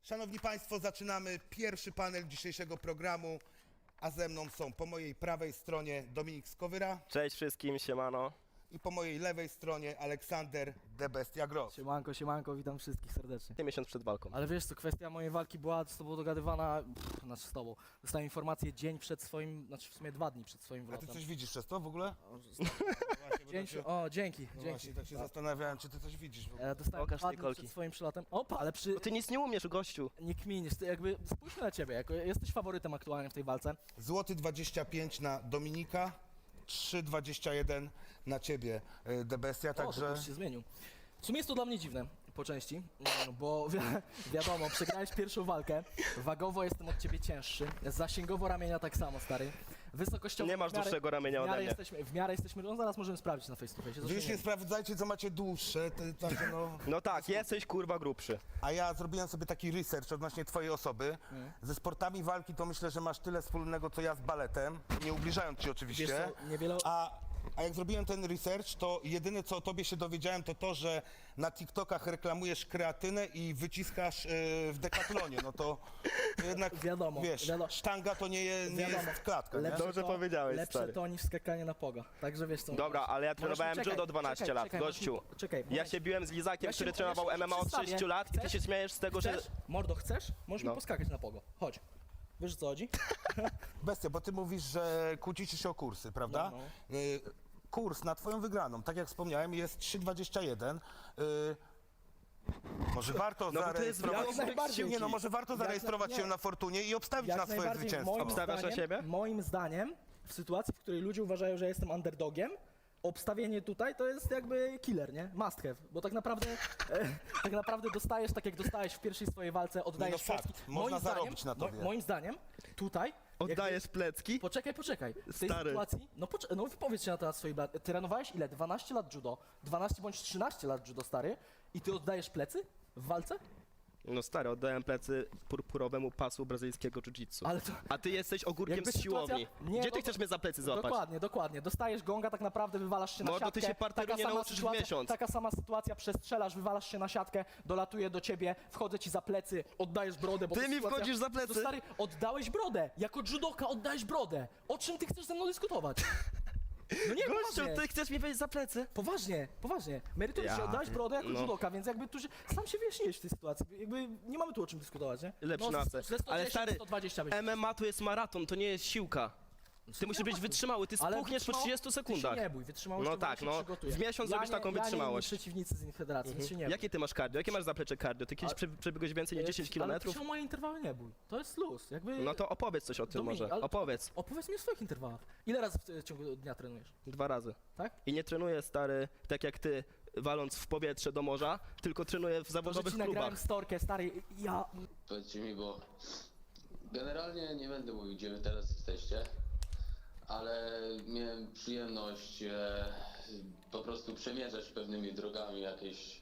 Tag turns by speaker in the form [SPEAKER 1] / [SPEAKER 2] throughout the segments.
[SPEAKER 1] Szanowni Państwo, zaczynamy pierwszy panel dzisiejszego programu, a ze mną są po mojej prawej stronie Dominik Skowyra
[SPEAKER 2] Cześć wszystkim, siemano.
[SPEAKER 1] i po mojej lewej stronie Aleksander The Bestia Gross.
[SPEAKER 3] Siemanko, siemanko, witam wszystkich serdecznie.
[SPEAKER 2] Miesiąc przed walką.
[SPEAKER 3] Ale wiesz co, kwestia mojej walki była z tobą dogadywana, znaczy z tobą. Dostałem informację dzień przed swoim, znaczy w sumie 2 dni przed swoim
[SPEAKER 1] A ty
[SPEAKER 3] wlotem.
[SPEAKER 1] coś widzisz przez to w ogóle?
[SPEAKER 3] Dzięki.
[SPEAKER 1] Właśnie, tak się zastanawiałem, czy ty coś widzisz w ogóle.
[SPEAKER 3] Dostałem
[SPEAKER 2] Pokaż
[SPEAKER 3] 2
[SPEAKER 2] tej
[SPEAKER 3] dni
[SPEAKER 2] kolki.
[SPEAKER 3] przed swoim przylotem. Opa, ale
[SPEAKER 2] Bo ty nic nie umiesz, gościu.
[SPEAKER 3] nie kminisz, ty jakby spójrzmy na ciebie, jako jesteś faworytem aktualnie w tej walce.
[SPEAKER 1] Złoty 25 na Dominika, 3,21 na ciebie, The Bestia,
[SPEAKER 3] O, to
[SPEAKER 1] także...
[SPEAKER 3] już się zmienił. W sumie jest to dla mnie dziwne po części, bo wiadomo, przegrałeś pierwszą walkę, wagowo jestem od ciebie cięższy, zasięgowo ramienia tak samo, stary. Wysokościowo
[SPEAKER 2] Nie masz
[SPEAKER 3] w miarę-
[SPEAKER 2] dłuższego ramienia ode mnie.
[SPEAKER 3] w miarę jesteśmy, no zaraz możemy sprawdzić na face to face.
[SPEAKER 1] Wy już nie sprawdzajcie, co macie dłuższe, także no...
[SPEAKER 2] No tak, jesteś kurwa grubszy.
[SPEAKER 1] A ja zrobiłem sobie taki research odnośnie twojej osoby. Ze sportami walki to myślę, że masz tyle wspólnego, co ja z baletem, nie ubliżając ci oczywiście.
[SPEAKER 3] Wiesz co, niewiele...
[SPEAKER 1] A jak zrobiłem ten research, to jedyne co o tobie się dowiedziałem, to że na TikTokach reklamujesz kreatynę i wyciskasz w Decathlonie. No to jednak,
[SPEAKER 3] Wiadomo,
[SPEAKER 1] wiesz,
[SPEAKER 3] wiadomo.
[SPEAKER 1] sztanga to nie jest klatka, nie?
[SPEAKER 2] Dobrze powiedziałeś,
[SPEAKER 3] lepsze
[SPEAKER 2] stary.
[SPEAKER 3] to niż skakanie na poga. Także wiesz co.
[SPEAKER 2] Dobra, ale ja trenowałem
[SPEAKER 3] czekaj,
[SPEAKER 2] judo 12
[SPEAKER 3] czekaj,
[SPEAKER 2] lat,
[SPEAKER 3] czekaj,
[SPEAKER 2] gościu.
[SPEAKER 3] Czekaj,
[SPEAKER 2] Ja się biłem z Lizakiem,
[SPEAKER 3] Ja się-
[SPEAKER 2] który
[SPEAKER 3] ja
[SPEAKER 2] trenował
[SPEAKER 3] się
[SPEAKER 2] MMA od
[SPEAKER 3] przedstawię.
[SPEAKER 2] 6 lat i ty
[SPEAKER 3] Chcesz?
[SPEAKER 2] się śmiejesz z tego, że...
[SPEAKER 3] Chcesz? Mordo, chcesz? Możesz
[SPEAKER 2] No.
[SPEAKER 3] mi poskakać na pogo. Chodź. Wiesz o co chodzi?
[SPEAKER 1] Bestia, bo ty mówisz, że kłócicie się o kursy, prawda?
[SPEAKER 3] No,
[SPEAKER 1] Kurs na twoją wygraną, tak jak wspomniałem, jest 3,21. Może warto
[SPEAKER 2] No bo to jest
[SPEAKER 1] zarejestrować...
[SPEAKER 3] jak najbardziej.
[SPEAKER 1] Nie no, może warto zarejestrować się na Fortunie i obstawić na swoje zwycięstwo.
[SPEAKER 2] Obstawiasz na siebie?
[SPEAKER 3] Moim zdaniem, w sytuacji, w której ludzie uważają, że jestem underdogiem, obstawienie tutaj to jest jakby killer, nie? Must have, bo tak naprawdę dostajesz, tak jak dostałeś w pierwszej swojej walce, oddajesz
[SPEAKER 1] fakt,
[SPEAKER 3] plecki.
[SPEAKER 1] można zarobić na tobie.
[SPEAKER 3] Moim zdaniem, tutaj...
[SPEAKER 2] Oddajesz plecki?
[SPEAKER 3] Poczekaj. W tej
[SPEAKER 2] Stary.
[SPEAKER 3] sytuacji, no wypowiedz się na temat swojej blat. Trenowałeś ile? 12 lat judo, 12 bądź 13 lat judo, stary, i ty oddajesz plecy w walce?
[SPEAKER 2] No stary, oddałem plecy purpurowemu pasu brazylijskiego jiu-jitsu.
[SPEAKER 3] Ale to...
[SPEAKER 2] A ty jesteś ogórkiem
[SPEAKER 3] Jakby
[SPEAKER 2] z siłowni.
[SPEAKER 3] sytuacja- Nie,
[SPEAKER 2] Gdzie
[SPEAKER 3] no
[SPEAKER 2] ty
[SPEAKER 3] to-
[SPEAKER 2] chcesz mnie za plecy złapać?
[SPEAKER 3] Dokładnie. Dostajesz gonga, tak naprawdę wywalasz się na
[SPEAKER 2] Mordo,
[SPEAKER 3] siatkę.
[SPEAKER 2] ty się parteru
[SPEAKER 3] Taka
[SPEAKER 2] nie
[SPEAKER 3] sama
[SPEAKER 2] nauczysz w
[SPEAKER 3] sytuacja-
[SPEAKER 2] miesiąc.
[SPEAKER 3] Taka sama sytuacja, przestrzelasz, wywalasz się na siatkę, dolatuje do ciebie, wchodzę ci za plecy, oddajesz brodę, bo
[SPEAKER 2] Ty
[SPEAKER 3] to
[SPEAKER 2] mi
[SPEAKER 3] sytuacja...
[SPEAKER 2] wchodzisz za plecy?
[SPEAKER 3] To stary, oddałeś brodę. Jako judoka oddałeś brodę. O czym ty chcesz ze mną dyskutować? No nie,
[SPEAKER 2] Gościu,
[SPEAKER 3] poważnie.
[SPEAKER 2] ty chcesz mi wejść za plecy?
[SPEAKER 3] Poważnie. Merytorycznie
[SPEAKER 2] Ja
[SPEAKER 3] oddałeś brodę jako
[SPEAKER 2] no.
[SPEAKER 3] judoka, więc jakby tu się, sam się wyjaśniłeś w tej sytuacji. Jakby nie mamy tu o czym dyskutować, nie?
[SPEAKER 2] Lepszy
[SPEAKER 3] no,
[SPEAKER 2] na
[SPEAKER 3] ze 110
[SPEAKER 2] Ale stary,
[SPEAKER 3] 120 będzie.
[SPEAKER 2] MMA to jest maraton, to nie jest siłka. Ty musisz być wytrzymały, ty
[SPEAKER 3] Ale
[SPEAKER 2] spuchniesz po 30 sekundach.
[SPEAKER 3] Ty się nie bój, wytrzymałość
[SPEAKER 2] No
[SPEAKER 3] to
[SPEAKER 2] tak,
[SPEAKER 3] się
[SPEAKER 2] no.
[SPEAKER 3] przygotuje.
[SPEAKER 2] W miesiąc zrobisz taką
[SPEAKER 3] Ja
[SPEAKER 2] wytrzymałość.
[SPEAKER 3] nie przeciwnicy z Federacji, więc się nie bój.
[SPEAKER 2] Jakie ty masz cardio? Jakie masz zaplecze cardio? Ty kiedyś przebiegłeś więcej niż 10
[SPEAKER 3] Ale
[SPEAKER 2] km?
[SPEAKER 3] ty się o moje interwały nie bój. To jest luz. Jakby...
[SPEAKER 2] No to opowiedz coś o tym
[SPEAKER 3] Dominik,
[SPEAKER 2] może.
[SPEAKER 3] ale-
[SPEAKER 2] Opowiedz.
[SPEAKER 3] Opowiedz mi o swoich interwałach. Ile razy w ciągu dnia trenujesz?
[SPEAKER 2] 2 razy.
[SPEAKER 3] Tak?
[SPEAKER 2] I nie trenuję, stary, tak jak ty, waląc w powietrze do morza, tylko trenuję w
[SPEAKER 3] To, że
[SPEAKER 2] zawodowych
[SPEAKER 3] ci nagrałem
[SPEAKER 2] klubach.
[SPEAKER 3] storkę, stary, ja...
[SPEAKER 4] Powiedzcie mi, bo generalnie nie będę mówił, gdzie wy teraz jesteście, ale miałem przyjemność po prostu przemierzać pewnymi drogami jakieś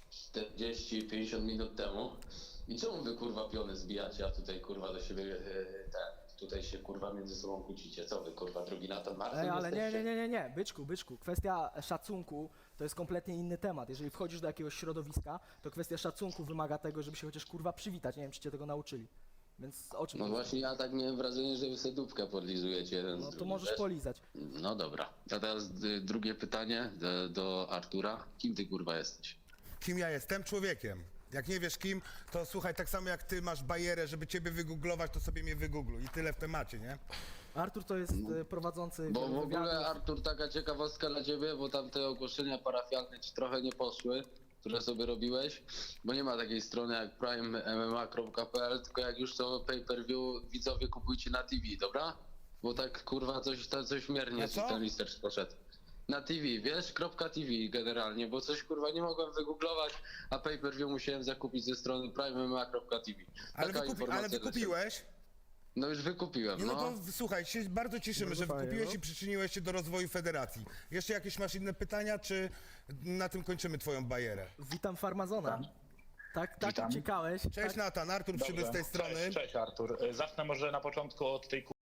[SPEAKER 4] 40-50 minut temu. I czemu wy kurwa piony zbijacie, a tutaj kurwa do siebie tutaj się kurwa między sobą kłócicie? Co wy kurwa, drugi Nathan Martin
[SPEAKER 3] Ej, ale
[SPEAKER 4] jesteście?
[SPEAKER 3] nie, byczku. Kwestia szacunku to jest kompletnie inny temat. Jeżeli wchodzisz do jakiegoś środowiska, to kwestia szacunku wymaga tego, żeby się chociaż kurwa przywitać. Nie wiem, czy cię tego nauczyli. Więc o czym
[SPEAKER 4] No
[SPEAKER 3] mówisz?
[SPEAKER 4] właśnie ja tak miałem wrażenie, że wy sobie dupkę podlizujecie jeden z
[SPEAKER 3] No to
[SPEAKER 4] drugim,
[SPEAKER 3] możesz
[SPEAKER 4] wiesz?
[SPEAKER 3] polizać.
[SPEAKER 4] No dobra. A teraz drugie pytanie do Artura. Kim ty kurwa jesteś?
[SPEAKER 1] Kim ja jestem? Człowiekiem. Jak nie wiesz kim, to słuchaj, tak samo jak ty masz barierę, żeby ciebie wygooglować, to sobie mnie wygoogluj i tyle w temacie, nie?
[SPEAKER 3] Artur to jest prowadzący
[SPEAKER 4] Bo
[SPEAKER 3] wielu
[SPEAKER 4] w ogóle
[SPEAKER 3] wywiadów.
[SPEAKER 4] Artur, taka ciekawostka dla ciebie, bo tam te ogłoszenia parafialne ci trochę nie poszły, które sobie robiłeś, bo nie ma takiej strony jak primemma.pl, tylko jak już to pay-per-view widzowie kupujcie na TV, dobra? Bo tak kurwa coś miernie
[SPEAKER 1] Na
[SPEAKER 4] ci
[SPEAKER 1] co?
[SPEAKER 4] ten listecz poszedł. Na TV, wiesz? .tv generalnie, bo coś kurwa nie mogłem wygooglować, a pay-per-view musiałem zakupić ze strony primemma.tv.
[SPEAKER 1] Ale,
[SPEAKER 4] Taka informacja dla ciebie.
[SPEAKER 1] wykupiłeś?
[SPEAKER 4] No już wykupiłem,
[SPEAKER 1] Nie, no
[SPEAKER 4] no.
[SPEAKER 1] to słuchaj, się bardzo cieszymy,
[SPEAKER 3] Bardzo
[SPEAKER 1] że
[SPEAKER 3] fajnie,
[SPEAKER 1] wykupiłeś
[SPEAKER 3] no.
[SPEAKER 1] i przyczyniłeś się do rozwoju federacji. Jeszcze jakieś masz inne pytania, czy na tym kończymy twoją bajerę?
[SPEAKER 3] Witam Farmazona. Tak
[SPEAKER 5] Witam.
[SPEAKER 3] uciekałeś.
[SPEAKER 1] Cześć
[SPEAKER 3] tak,
[SPEAKER 1] Natan, Artur przybył z tej strony.
[SPEAKER 5] Cześć Artur. Zacznę może na początku od tej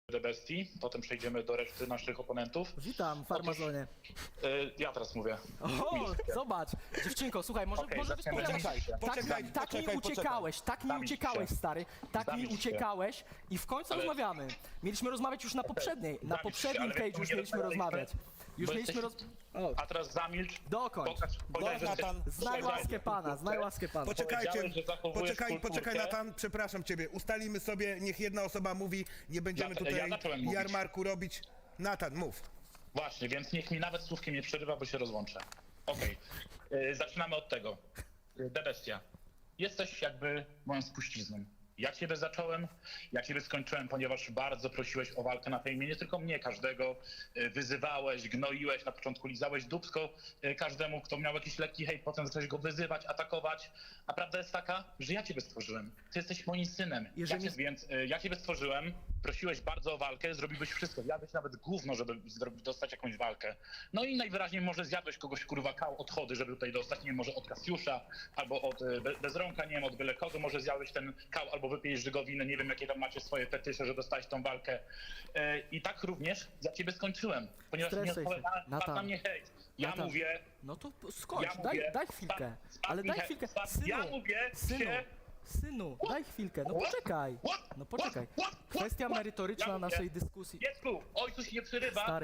[SPEAKER 5] The Bestii, potem przejdziemy do reszty naszych oponentów.
[SPEAKER 3] Witam, Farmazonie.
[SPEAKER 5] Ja teraz mówię.
[SPEAKER 3] O, zobacz, dziewczynko, słuchaj, może
[SPEAKER 5] Okej, zaczniemy.
[SPEAKER 3] wypowiadać.
[SPEAKER 1] Poczekaj,
[SPEAKER 3] Tak mi
[SPEAKER 1] poczekaj.
[SPEAKER 3] uciekałeś, tak mi
[SPEAKER 5] Zamilcz
[SPEAKER 3] uciekałeś,
[SPEAKER 5] się.
[SPEAKER 3] stary, tak mi
[SPEAKER 5] Zamilcz się.
[SPEAKER 3] uciekałeś i w końcu
[SPEAKER 5] Ale-
[SPEAKER 3] rozmawiamy. Mieliśmy rozmawiać już na poprzednim
[SPEAKER 5] ale
[SPEAKER 3] cage'u już
[SPEAKER 5] nie
[SPEAKER 3] mieliśmy
[SPEAKER 5] rozmawialiśmy,
[SPEAKER 3] rozmawiać. Już
[SPEAKER 5] bo
[SPEAKER 3] mieliśmy
[SPEAKER 5] jesteś-
[SPEAKER 3] O,
[SPEAKER 5] A teraz zamilcz.
[SPEAKER 3] dokończ.
[SPEAKER 5] Powiedziałeś, że
[SPEAKER 1] Natan,
[SPEAKER 3] Znaj łaskę pana, znaj łaskę pana.
[SPEAKER 1] Poczekajcie,
[SPEAKER 5] Powiedziałeś, że zachowujesz
[SPEAKER 1] poczekaj,
[SPEAKER 5] kulturkę.
[SPEAKER 1] Natan, przepraszam ciebie. Ustalimy sobie, niech jedna osoba mówi, nie będziemy
[SPEAKER 5] Ja
[SPEAKER 1] tutaj
[SPEAKER 5] zacząłem mówić.
[SPEAKER 1] jarmarku robić. Natan, mów.
[SPEAKER 5] Właśnie, więc niech mi nawet słówkiem nie przerywa, bo się rozłączę. Okej. Zaczynamy od tego. The Bestia. Jesteś jakby moją spuścizną. Ja ciebie zacząłem, ja ciebie skończyłem, ponieważ bardzo prosiłeś o walkę na fejmie, nie tylko mnie, każdego. Wyzywałeś, gnoiłeś, na początku lizałeś dupsko każdemu, kto miał jakiś lekki hejt, potem zacząłeś go wyzywać, atakować. A prawda jest taka, że ja ciebie stworzyłem. Ty jesteś moim synem. Więc ja ciebie stworzyłem, prosiłeś bardzo o walkę, zrobiłbyś wszystko. Jadłeś nawet gówno, żeby dostać jakąś walkę. No i najwyraźniej może zjadłeś kogoś, kurwa, kał odchody, żeby tutaj dostać, nie wiem, może od Kasiusza, albo od Bezrąka, nie wiem, od byle kogo, może zjadłeś ten kał, albo wypijesz żygowinę, nie wiem, jakie tam macie swoje fetysze, że dostałeś tą walkę. I tak również ja ciebie skończyłem, ponieważ nie
[SPEAKER 3] Stresuj się.
[SPEAKER 5] odpowiadałem
[SPEAKER 3] Natan.
[SPEAKER 5] na mnie hejt. Ja
[SPEAKER 3] Natan.
[SPEAKER 5] mówię,
[SPEAKER 3] No to skończ,
[SPEAKER 5] ja mówię,
[SPEAKER 3] daj chwilkę.
[SPEAKER 5] spadł
[SPEAKER 3] Ale
[SPEAKER 5] mi
[SPEAKER 3] daj
[SPEAKER 5] hejt,
[SPEAKER 3] chwilkę.
[SPEAKER 5] spadł-
[SPEAKER 3] Synu,
[SPEAKER 5] ja mówię się...
[SPEAKER 3] synu, daj chwilkę. No poczekaj. No poczekaj. Kwestia merytoryczna naszej dyskusji.
[SPEAKER 5] Dziecku, ojcu się nie przerywa,
[SPEAKER 3] Stary,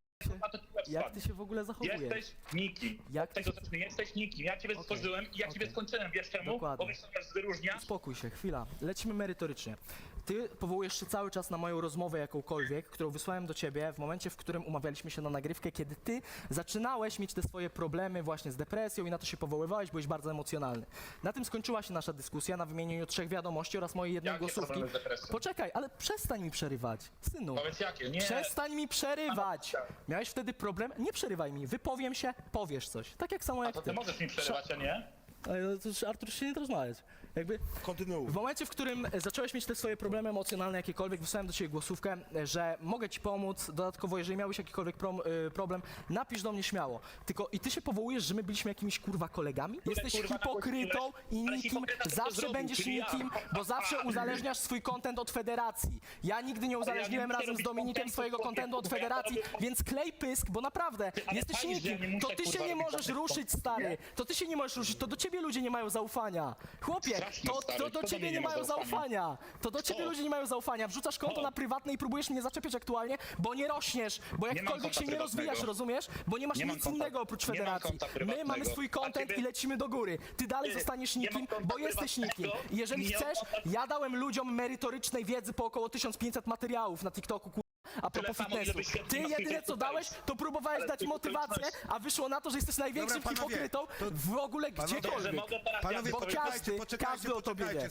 [SPEAKER 3] jak ty się w ogóle zachowujesz?
[SPEAKER 5] Jesteś nikim.
[SPEAKER 3] Jak
[SPEAKER 5] Od tego
[SPEAKER 3] ty się-
[SPEAKER 5] zacznę. Jesteś nikim. Ja ciebie
[SPEAKER 3] Okej,
[SPEAKER 5] stworzyłem i ja ciebie
[SPEAKER 3] okej.
[SPEAKER 5] skończyłem. Wiesz czemu?
[SPEAKER 3] Dokładnie.
[SPEAKER 5] Bo wiesz, co nas wyróżnia?
[SPEAKER 3] Spokój się, chwila. Lecimy merytorycznie. Ty powołujesz się cały czas na moją rozmowę jakąkolwiek, którą wysłałem do ciebie w momencie, w którym umawialiśmy się na nagrywkę, kiedy ty zaczynałeś mieć te swoje problemy właśnie z depresją i na to się powoływałeś, byłeś bardzo emocjonalny. Na tym skończyła się nasza dyskusja, na wymienieniu 3 wiadomości oraz mojej jednej
[SPEAKER 5] Jakie
[SPEAKER 3] głosówki.
[SPEAKER 5] problemy z depresją?
[SPEAKER 3] Poczekaj, ale przestań mi przerywać, synu.
[SPEAKER 5] Powiedz jakie? Nie.
[SPEAKER 3] Przestań mi przerywać! Miałeś wtedy problem? Nie przerywaj mi, wypowiem się, powiesz coś. Tak jak samo
[SPEAKER 5] A
[SPEAKER 3] jak
[SPEAKER 5] to ty możesz mi przerywać, a nie?
[SPEAKER 3] Ale to już, Artur, się nie da rozmawiać. Jakby
[SPEAKER 1] Kontynuuj.
[SPEAKER 3] w momencie, w którym zacząłeś mieć te swoje problemy emocjonalne jakiekolwiek, wysłałem do ciebie głosówkę, że mogę ci pomóc, dodatkowo jeżeli miałeś jakikolwiek problem, napisz do mnie śmiało. Tylko i ty się powołujesz, że my byliśmy jakimiś kurwa kolegami? Jesteś
[SPEAKER 5] kurwa
[SPEAKER 3] hipokrytą i
[SPEAKER 5] nagłośniłeś? Ale
[SPEAKER 3] nikim,
[SPEAKER 5] hipokryta to
[SPEAKER 3] zawsze
[SPEAKER 5] zrobił,
[SPEAKER 3] będziesz
[SPEAKER 5] czyli ja.
[SPEAKER 3] nikim, bo zawsze uzależniasz swój content od federacji. Ja nigdy nie uzależniłem
[SPEAKER 5] muszę
[SPEAKER 3] razem z
[SPEAKER 5] robić
[SPEAKER 3] Dominikiem
[SPEAKER 5] contentu,
[SPEAKER 3] swojego
[SPEAKER 5] człowieku,
[SPEAKER 3] contentu od
[SPEAKER 5] bo ja to
[SPEAKER 3] federacji,
[SPEAKER 5] robię-
[SPEAKER 3] więc klej pysk, bo naprawdę
[SPEAKER 5] ale
[SPEAKER 3] jesteś
[SPEAKER 5] fajnie, że ja
[SPEAKER 3] nikim.
[SPEAKER 5] nie muszę,
[SPEAKER 3] To ty się
[SPEAKER 5] kurwa,
[SPEAKER 3] nie
[SPEAKER 5] robić
[SPEAKER 3] możesz
[SPEAKER 5] żadnych
[SPEAKER 3] ruszyć,
[SPEAKER 5] content,
[SPEAKER 3] stary.
[SPEAKER 5] nie?
[SPEAKER 3] To ty się nie możesz ruszyć, to do ciebie ludzie nie mają zaufania. Chłopie,
[SPEAKER 5] Strasznie,
[SPEAKER 3] to
[SPEAKER 5] stary,
[SPEAKER 3] do
[SPEAKER 5] kto do
[SPEAKER 3] ciebie
[SPEAKER 5] mnie
[SPEAKER 3] nie
[SPEAKER 5] nie ma
[SPEAKER 3] mają
[SPEAKER 5] zaufania?
[SPEAKER 3] zaufania. To do ciebie ludzie nie mają zaufania. Wrzucasz konto
[SPEAKER 5] O.
[SPEAKER 3] na prywatne i próbujesz mnie zaczepiać aktualnie, bo nie rośniesz, bo
[SPEAKER 5] mam
[SPEAKER 3] jakkolwiek
[SPEAKER 5] konta
[SPEAKER 3] się nie rozwijasz,
[SPEAKER 5] prywatnego.
[SPEAKER 3] rozumiesz? Bo nie masz
[SPEAKER 5] Nie mam
[SPEAKER 3] nic
[SPEAKER 5] konta-
[SPEAKER 3] innego oprócz
[SPEAKER 5] nie mam
[SPEAKER 3] federacji.
[SPEAKER 5] konta
[SPEAKER 3] My
[SPEAKER 5] prywatnego.
[SPEAKER 3] mamy swój
[SPEAKER 5] A
[SPEAKER 3] content
[SPEAKER 5] ciebie-
[SPEAKER 3] i lecimy do góry. Ty dalej zostaniesz
[SPEAKER 5] nie mam
[SPEAKER 3] nikim,
[SPEAKER 5] konta
[SPEAKER 3] bo jesteś nikim.
[SPEAKER 5] prywatnego.
[SPEAKER 3] I jeżeli
[SPEAKER 5] Nie mam
[SPEAKER 3] chcesz,
[SPEAKER 5] konta-
[SPEAKER 3] ja dałem ludziom merytorycznej wiedzy po około 1500 materiałów na TikToku, a propos
[SPEAKER 5] samo, ile
[SPEAKER 3] fitnessu.
[SPEAKER 5] wyświetleń
[SPEAKER 3] Ty
[SPEAKER 5] ma
[SPEAKER 3] jedyne
[SPEAKER 5] Twitter
[SPEAKER 3] co dałeś, to próbowałeś
[SPEAKER 5] Ale
[SPEAKER 3] dać
[SPEAKER 5] ty
[SPEAKER 3] motywację,
[SPEAKER 5] okoliczności.
[SPEAKER 3] a wyszło na to, że jesteś największym
[SPEAKER 1] Dobra, panowie,
[SPEAKER 3] hipokrytą
[SPEAKER 1] to-
[SPEAKER 3] w ogóle
[SPEAKER 1] Panowie,
[SPEAKER 5] Że
[SPEAKER 3] gdziekolwiek.
[SPEAKER 5] mogę teraz
[SPEAKER 1] Panowie,
[SPEAKER 3] Bo każdy o tobie wie.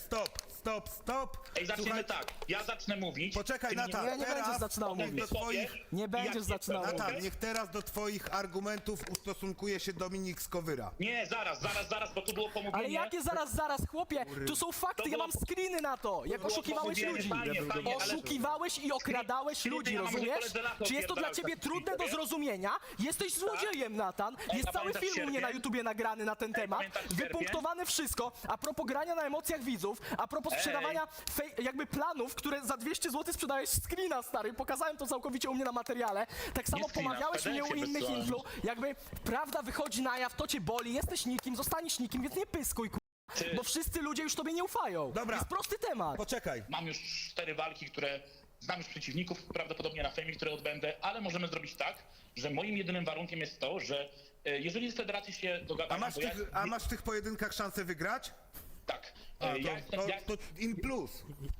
[SPEAKER 1] Stop.
[SPEAKER 5] Ej, zaczniemy
[SPEAKER 1] Słuchaj,
[SPEAKER 5] tak. Ja zacznę mówić.
[SPEAKER 1] Poczekaj,
[SPEAKER 5] ty mnie
[SPEAKER 1] Natan,
[SPEAKER 3] Nie, nie
[SPEAKER 1] teraz
[SPEAKER 3] będziesz zaczynał
[SPEAKER 1] niech
[SPEAKER 3] mówić.
[SPEAKER 1] do twoich...
[SPEAKER 3] Nie będziesz
[SPEAKER 5] Jak
[SPEAKER 3] zaczynał
[SPEAKER 5] nie
[SPEAKER 3] mówić.
[SPEAKER 1] Natan, niech teraz do twoich argumentów ustosunkuje się Dominik Skowyra.
[SPEAKER 5] Nie, zaraz, bo tu było pomówienie.
[SPEAKER 3] Ale jakie zaraz, chłopie? Tu są fakty,
[SPEAKER 5] To
[SPEAKER 3] ja
[SPEAKER 5] było-
[SPEAKER 3] mam screeny na to, jak
[SPEAKER 5] było
[SPEAKER 3] oszukiwałeś
[SPEAKER 5] pomówienie,
[SPEAKER 3] ludzi.
[SPEAKER 5] fajnie, ale-
[SPEAKER 3] Oszukiwałeś i okradałeś
[SPEAKER 5] Czyli ty,
[SPEAKER 3] ludzi,
[SPEAKER 5] ja mam
[SPEAKER 3] rozumiesz?
[SPEAKER 5] koledze lata
[SPEAKER 3] Czy jest to dla
[SPEAKER 5] opierdalać
[SPEAKER 3] ciebie
[SPEAKER 5] taki
[SPEAKER 3] trudne do
[SPEAKER 5] wiesz?
[SPEAKER 3] zrozumienia? Jesteś złodziejem, Natan. Jest
[SPEAKER 5] a
[SPEAKER 3] cały
[SPEAKER 5] pamiętasz
[SPEAKER 3] film u mnie na
[SPEAKER 5] sierpień?
[SPEAKER 3] YouTubie nagrany na ten temat.
[SPEAKER 5] pamiętasz sierpień?
[SPEAKER 3] Wypunktowane wszystko. A propos grania na emocjach widzów, a propos sprzedawania jakby planów, które za 200 zł sprzedałeś screena, stary. Pokazałem to całkowicie u mnie na materiale. Tak samo
[SPEAKER 5] screena,
[SPEAKER 3] pomawiałeś mnie u
[SPEAKER 5] FedExie
[SPEAKER 3] innych
[SPEAKER 5] wysłałem.
[SPEAKER 3] influ. Jakby prawda wychodzi na jaw, to cię boli, jesteś nikim, zostaniesz nikim, więc nie pyskuj, bo wszyscy ludzie już tobie nie ufają.
[SPEAKER 1] Dobra.
[SPEAKER 3] Jest prosty temat.
[SPEAKER 1] Poczekaj.
[SPEAKER 5] Mam już 4 walki, które znam już przeciwników, prawdopodobnie na fejmie, które odbędę, ale możemy zrobić tak, że moim jedynym warunkiem jest to, że jeżeli z federacji się dogadamy,
[SPEAKER 1] A masz w tych pojedynkach szansę wygrać?
[SPEAKER 5] tak.
[SPEAKER 1] A,
[SPEAKER 5] Ja
[SPEAKER 1] to in plus.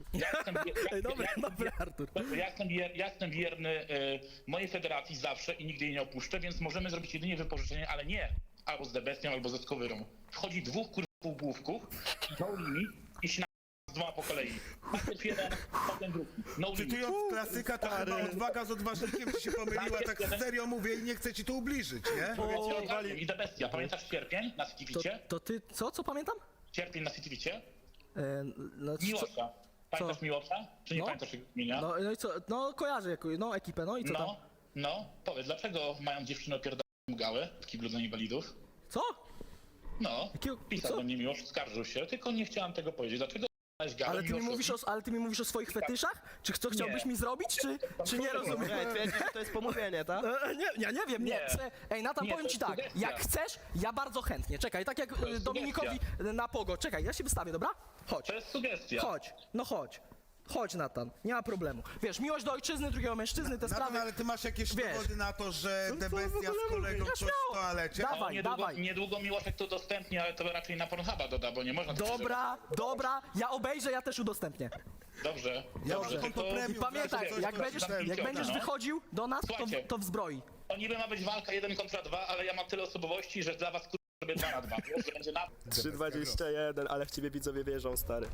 [SPEAKER 3] Dobra, Artur.
[SPEAKER 5] Ja jestem wierny mojej federacji zawsze i nigdy jej nie opuszczę, więc możemy zrobić jedynie wypożyczenie, ale nie albo z The Bestią, albo ze Skowyrą. Wchodzi 2 półgłówków, no limit i się z 2 po kolei. Najpierw jeden, potem drugi. No limit.
[SPEAKER 1] Cytując klasyka, to chyba odwaga z odważnikiem ci się pomyliła, tak serio mówię i nie chcę ci tu ubliżyć, nie?
[SPEAKER 5] I The Bestia. Pamiętasz Sierpień na Citywicie?
[SPEAKER 3] To ty, co pamiętam?
[SPEAKER 5] Sierpień na Citywicie?
[SPEAKER 3] No,
[SPEAKER 5] Miłosza. Pamiętasz Miłosza? Czy nie
[SPEAKER 3] No.
[SPEAKER 5] pamiętasz jego imienia?
[SPEAKER 3] no i co, no kojarzę ekipę, no i co tam?
[SPEAKER 5] Powiedz, dlaczego mają dziewczyny opierdolone gałę w kiblu dla inwalidów?
[SPEAKER 3] Co?
[SPEAKER 5] No,
[SPEAKER 3] Jakiego-
[SPEAKER 5] pisał
[SPEAKER 3] co?
[SPEAKER 5] do mnie Miłosz, skarżył się, tylko nie chciałam tego powiedzieć. Dlaczego
[SPEAKER 3] Ale ty mi mówisz o swoich fetyszach? Co chciałbyś mi zrobić, czy nie rozumiem?
[SPEAKER 2] Nie, twierdzisz, że to jest pomówienie, tak?
[SPEAKER 3] Nie, ja nie wiem, nie. Ej, Natan,
[SPEAKER 5] Nie,
[SPEAKER 3] powiem
[SPEAKER 5] to
[SPEAKER 3] ci
[SPEAKER 5] jest
[SPEAKER 3] tak,
[SPEAKER 5] sugestia.
[SPEAKER 3] jak chcesz, ja bardzo chętnie. Czekaj, tak jak
[SPEAKER 5] jest
[SPEAKER 3] Dominikowi na pogo. Czekaj, ja się wystawię, dobra? Chodź,
[SPEAKER 5] To jest sugestia.
[SPEAKER 3] chodź, no chodź. Chodź, Natan, nie ma problemu. Wiesz, miłość do ojczyzny, drugiego mężczyzny, te
[SPEAKER 1] Natan,
[SPEAKER 3] sprawy...
[SPEAKER 1] ale ty masz jakieś
[SPEAKER 3] Wiesz.
[SPEAKER 1] dowody na to, że
[SPEAKER 3] No to
[SPEAKER 1] Debestia
[SPEAKER 3] w ogóle
[SPEAKER 1] z kolegą
[SPEAKER 3] mówię.
[SPEAKER 1] coś
[SPEAKER 3] Ja
[SPEAKER 1] w
[SPEAKER 3] śmiało.
[SPEAKER 1] toalecie?
[SPEAKER 3] Dawaj, dawaj.
[SPEAKER 5] Niedługo Miłoszek to udostępni, ale to raczej na Pornhuba doda, bo nie można... tak
[SPEAKER 3] Dobra, ja obejrzę, ja też udostępnię.
[SPEAKER 5] Dobrze,
[SPEAKER 1] Ja
[SPEAKER 5] dobrze,
[SPEAKER 1] mam konto
[SPEAKER 5] tylko-
[SPEAKER 3] I
[SPEAKER 1] premium.
[SPEAKER 3] pamiętaj,
[SPEAKER 1] coś,
[SPEAKER 3] jak
[SPEAKER 1] coś
[SPEAKER 3] będziesz,
[SPEAKER 1] tam
[SPEAKER 3] jak będziesz
[SPEAKER 5] no.
[SPEAKER 3] wychodził do nas,
[SPEAKER 5] Słuchajcie.
[SPEAKER 3] to w zbroi.
[SPEAKER 5] To niby ma być walka 1 kontra 2, ale ja mam tyle osobowości, że dla was sobie 2 na 2. Wiesz, że będzie na...
[SPEAKER 2] 3,21, ale w ciebie widzowie wierzą, stary.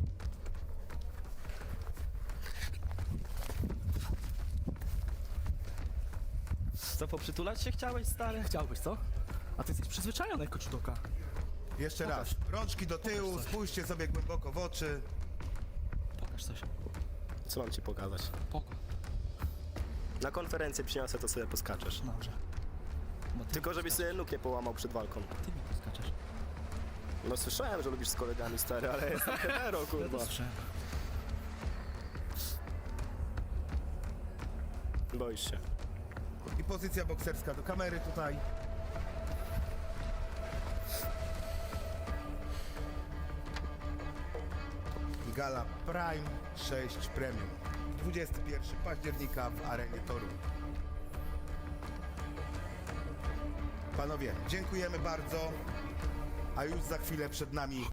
[SPEAKER 2] Co, poprzytulać się chciałeś, stary?
[SPEAKER 3] Chciałbyś, co? A ty jesteś przyzwyczajony jako czudoka.
[SPEAKER 1] Jeszcze raz, rączki do tyłu, spójrzcie sobie głęboko w oczy.
[SPEAKER 3] Pokaż coś.
[SPEAKER 2] Co mam ci pokazać?
[SPEAKER 3] Pokaż.
[SPEAKER 2] Na konferencję przyniosę, to sobie poskaczesz.
[SPEAKER 3] Dobrze. Bo ty
[SPEAKER 2] Tylko żebyś sobie nóg nie połamał przed walką.
[SPEAKER 3] Ty mi poskaczesz.
[SPEAKER 2] No słyszałem, że lubisz z kolegami, stary, ale jestem hetero, kurwa. Boisz się.
[SPEAKER 1] I pozycja bokserska do kamery tutaj. Gala Prime 6 Premium. 21 października w arenie Toruń. Panowie, dziękujemy bardzo. A już za chwilę przed nami